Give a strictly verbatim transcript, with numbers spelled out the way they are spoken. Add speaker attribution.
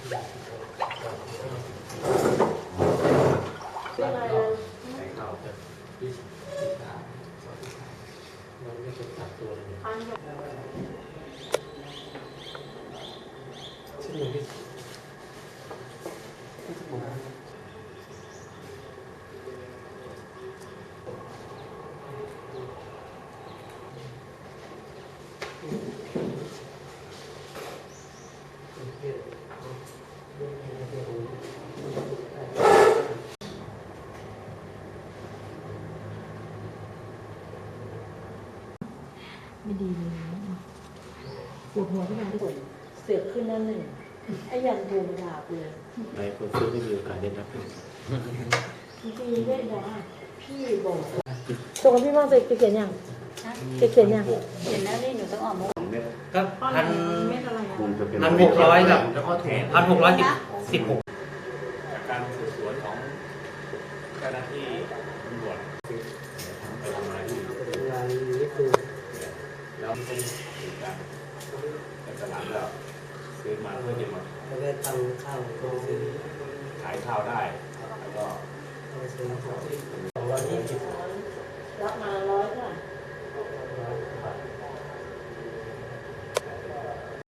Speaker 1: เป็นไรเลยใส่ข้าวจะพิชพิชามันไม่ถูกตัดตัวเลยชื่อพี่พี่สมุน
Speaker 2: ไม่ดีเลยปวดหัวขึ้นมาที่สุดเสือกขึ้นนั่นเลยไอ้ยังโทรมาด่ากูเลย
Speaker 1: หลายคนซื้อไม่มีโอกาสได้รับ
Speaker 2: จริงๆได้บอกว่าพี่บอกส่งกับพี่มองจะเขียนยังจะเขียนยังเขียนแล้วนี่หนูต้องออกมา
Speaker 3: ก็พัน
Speaker 2: เม็ดอะไรอ่ะ
Speaker 3: พันหกร้อยกับ
Speaker 1: แล้วก็แถม
Speaker 3: พันหกร้อยสิบสิบหก
Speaker 1: จากการสืบสวนของเจ้าหน้าที่ตำรวจไปทำอะไรที่งานนี้คือแล้วไม่ได้ถึงการแต่ตลาดแล้วซื้อมาเพื่อจะมา
Speaker 4: จะได้ทำข้าวก็ซื้อ
Speaker 1: ขายข้าวได้แล้วก็
Speaker 4: ก็ซื้อของ
Speaker 1: สองร้อยยี่สิบ
Speaker 2: รับมาร้อยเท่าไหร่
Speaker 1: ร้อยบาท